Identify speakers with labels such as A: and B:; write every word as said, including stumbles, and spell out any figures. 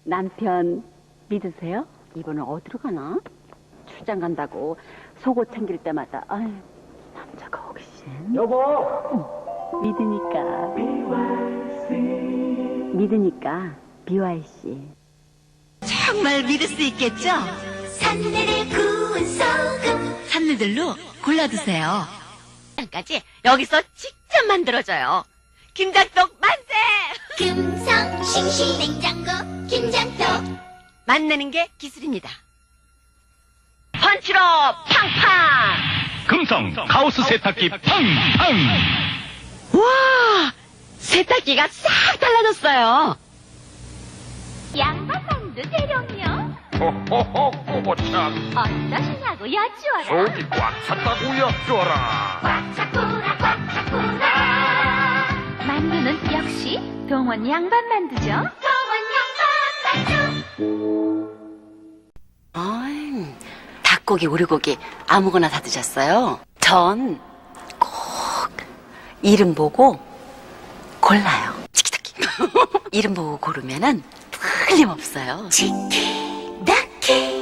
A: 남편 믿으세요? 이번엔 어디로 가나? 출장 간다고 속옷 챙길 때마다 아유, 남자가 혹시
B: 여보!
A: 믿으니까 믿으니까 비와이씨.
C: 정말 믿을 수 있겠죠?
D: 산내를 구운 소금
C: 산미들로 골라드세요. 까지 여기서 직접 만들어줘요. 김장떡 만세!
D: 금성 싱싱 냉장고 김장떡
C: 만나는 게 기술입니다. 펀치로 팡팡!
B: 금성 가우스 세탁기 팡팡!
C: 와! 세탁기가 싹 달라졌어요.
D: 양파빵도 재료요
B: 호호호 꼬보참
D: 어떠시냐고 여쭈어라
B: 속이 꽉 찼다고 엿줘라.
D: 꽉차꾸라 꽉차꾸라 만두는 역시 동원 양반 만두죠 동원 양반 만두
A: 아이, 닭고기, 오리고기 아무거나 다 드셨어요? 전 꼭 이름 보고 골라요. 치키타키. 이름 보고 고르면은 틀림없어요.
D: 치키 나키